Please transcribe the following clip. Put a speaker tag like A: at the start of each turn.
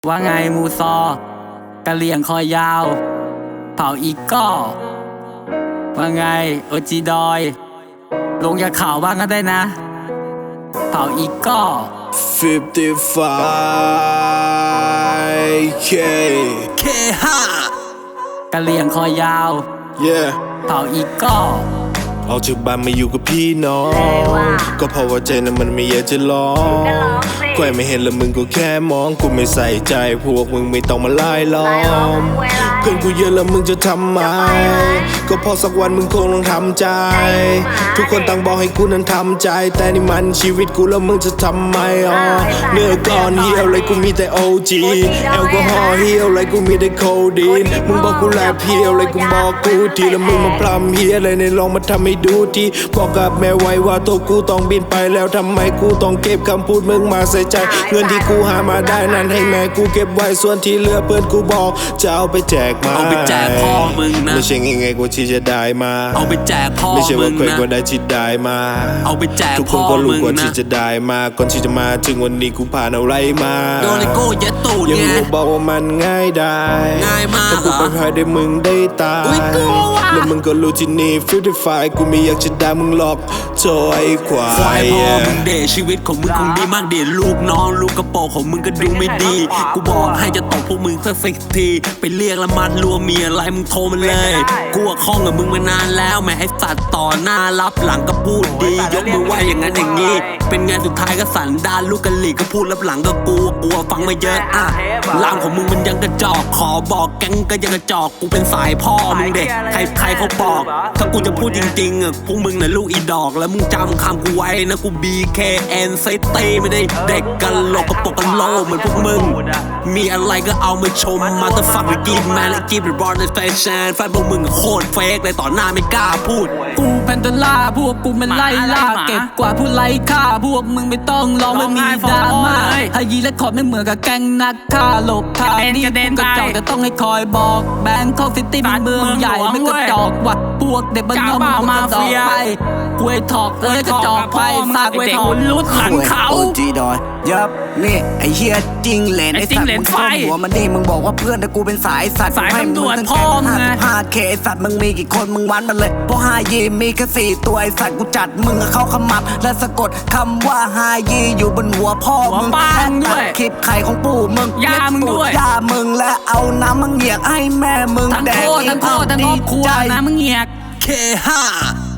A: ว่าไงมูซอกะเหลี่ยงคอยาวเผาอีกก็ว่าไงโอจีดอยลงจากเขาบ้างก็ได้นะเผาอีกก็
B: 55K
A: กะเหลี่ยงคอยาว
B: Yeah
A: เผาอีกก็
B: ออกจากบ้านมาอยู่กับพี่น้องก็เพราะว่าใจนั้นมันไม่อยากจะร้องใครไม่เห็นแล้วมึงก็แค่มองกูไม่ใส่ใจพวกมึงไม่ต้องมาไล่ล้อมเพื่อนกูเยอะแล้วมึงจะทำไมก็เพราะสักวันมึงคงต้องทำใจทุกคนต่างบอกให้กูนั้นทำใจแต่นี่มันชีวิตกูแล้วมึงจะทำไมเนื้อก้อนเหี่ยวเลยกูมีแต่ OG แอลกอฮอล์เหี่ยวเลยกูมีแต่โคดีนมึงบอกกูแลเพียวเลยกูบอกกูทีแล้วมึงมาพร่ำเฮียเลยในลองมาทำให้ดูทีบอกกับแม่ไว้ว่าตัวกูต้องบินไปแล้วทำไมกูต้องเก็บคำพูดมึงมาใส่ใจเงินที่กูหามาได้นั้นให้แม่กูเก็บไว้ส่วนที่เหลือเพื่อนกูบอกจะเอาไปแจกมา
A: เอาไปแจกพ่อมึงนะ
B: ไม่ใช่ง่ายๆกว่าที่จะได้มา
A: เอาไปแจกพ่อมึงนะ
B: ไม่ใช่ว่าใครก็ได้ที่ได้มา
A: เอาไปแจก
B: ทุกค
A: พ่อน
B: ก็รู้
A: มึง
B: กว่า
A: นะ
B: ที่จะได้มาก่อนที่จะมาถึงวันนี้กูผ่านอะไรมา
A: โดนไอ้โก้ยัดตูด
B: ยัง
A: ไง
B: รู้บอกว่ามันง่ายได้
A: ง่ายมาก
B: แต่กูไปพายได้มึงได้ตายแล้วมึงก็รู้ที่นี่55กูไม่อยากจะได้มึงหรอกโธ่ไอ้ควา
A: ควายพ่อมึงเดชชีวิตของมึงคงดีมากเดชลูกน้องลูกกระโปรงของมึงก็ดูไม่ดีกูบอกให้จะตบพวกมึงสัก10 ทีไปเรียกละมัดรัวมีอะไรมึงโทรมาเลยกูว่าคล้องกับมึงมานานแล้วแม่ให้สัตว์ต่อหน้ารับหลังก็พูดดียกมือไหวอย่างนั้นอย่างนี้เป็นไงสุดท้ายก็สันดานลูกกะหลี่ก็พูดรับหลังก็กลัวฟังมาเยอะล่ามของมึงมันยังกระจอกขอบอกแก๊งก็ยังกระจอกกูเป็นสายพ่อมึงเด็กใครเขาบอกถ้ากูจะพูดจริงๆพวกมึงน่ะลูกอีดอกแล้วมึงจำคำกูไว้นะกู BKN ไซตีไม่ได้เด็กกันหลอกกระโปงกันโลเหมือนพวกมึงมีอะไรก็เอามาชมมาแต่ฝักไปกินแมนและกินเป็นบอลในแฟชั่นแฟนพวกมึงโคตรเฟกเลยต่อหน้าไม่กล้าพูดกูเป็นดอลลาร์พวกกูมันไล่ล่าเก็บกว่าผู้ไล่ฆ่าพวกมึงไม่ต้องร้องไม่มีดราม่าฮายีและขอไม่เหมือนกับแก๊งนักฆ่าหลบฆ่านี่มึงกระจอกแต่ต้องให้คอยบอกแบงค์เข้าซิตี้เป็นเมืองใหญ่ไม่กระจอกว่ะพวกเด็กบ้านนอกมึงกระจอกไปกล้วยถอกเลยกระจอกไปซากกล้วยถอกลุดหลังเขา
C: โอจีดอยยับนี่ไอเฮียจริงเลนไอสัตว์มึงชอบหัวมันนี่มึงบอกว่าเพื่อนแต่กูเป็นสายสัตว์
A: ให้มึงตั้งแค่
C: 55K ไอสัตว์มึงมีกี่คนมึงวันมันเลยเพราะ5 ยีมีแค่4ตัวไอสัตว์กูจัดมึงเข้าขมับและสะกดคำว่า5 ยีอยู่บนหัวพ่อมึงตัดคลิปไข่ของปู่มึง
A: ยามึงด้วย
C: ยามึงและเอาน้ำมึงเหยียกให้แม่มึงแดก
A: ทั้งโคตรทั้งครอบครัวนะมึงเหยียก
B: K5